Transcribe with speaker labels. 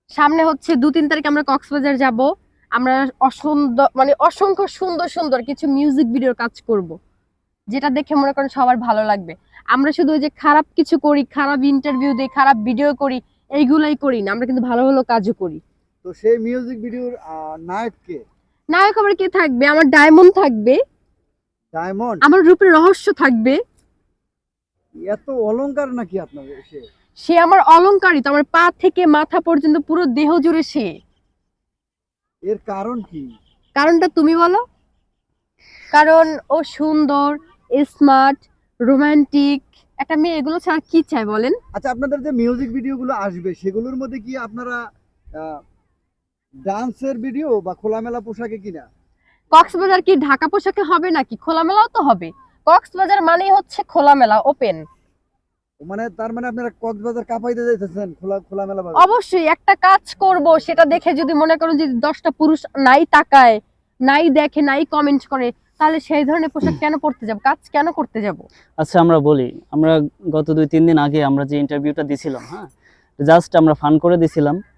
Speaker 1: সামনে হচ্ছে 2-3 তারিখে আমরা কক্সবাজার যাব। আমরা অসংখ্য সুন্দর সুন্দর কিছু মিউজিক ভিডিওর কাজ করব, যেটা দেখে মনে করেন সবার ভালো লাগবে। আমরা শুধু ওই যে খারাপ কিছু করি, খারাপ ইন্টারভিউ দিই, খারাপ ভিডিও করি, এইগুলাই করি না, আমরা কিন্তু ভালো ভালো কাজও করি।
Speaker 2: তো সেই মিউজিক ভিডিওর নায়ক কে?
Speaker 1: নায়ক আবার কে থাকবে? আমার ডায়মন্ড থাকবে,
Speaker 2: ডায়মন্ড?
Speaker 1: আমার রূপের রহস্য থাকবে।
Speaker 2: এত অলংকার নাকি আপনার সে?
Speaker 1: সে আমার অলংকারিত, আমার পা থেকে মাথা পর্যন্ত পুরো দেহ জুড়ে সে।
Speaker 2: এর কারণ কি?
Speaker 1: কারণটা তুমি বলো। কারণ ও সুন্দর, স্মার্ট, রোমান্টিক একটা মেয়ে, এগুলো ছাড়া কি চাই বলেন?
Speaker 2: আচ্ছা, আপনাদের যে মিউজিক ভিডিওগুলো আসবে সেগুলোর মধ্যে কি আপনারা ডান্সের ভিডিও বা খোলামেলা পোশাকে কিনা?
Speaker 1: কক্সবাজার কি ঢাকা পোশাকে হবে নাকি? খোলামেলাও তো হবে। কক্সবাজার মানেই হচ্ছে খোলামেলা, ওপেন।
Speaker 2: মানে তার মানে আপনারা কক্সবাজার কাঁপাইতে যাইতেছেন খোলামেলা ভাবে?
Speaker 1: অবশ্যই একটা কাজ করব, সেটা দেখে যদি মনে করুন যে 10টা পুরুষ নাই তাকায়, নাই দেখে, নাই কমেন্ট করে, তাহলে সেই ধরনের পোশাক কেন পরতে যাব, কাজ কেন করতে যাব?
Speaker 3: আচ্ছা আমরা বলি, আমরা গত 2-3 দিন আগে আমরা যে ইন্টারভিউটা দিছিলাম, হ্যাঁ, জাস্ট আমরা ফান করে দিছিলাম।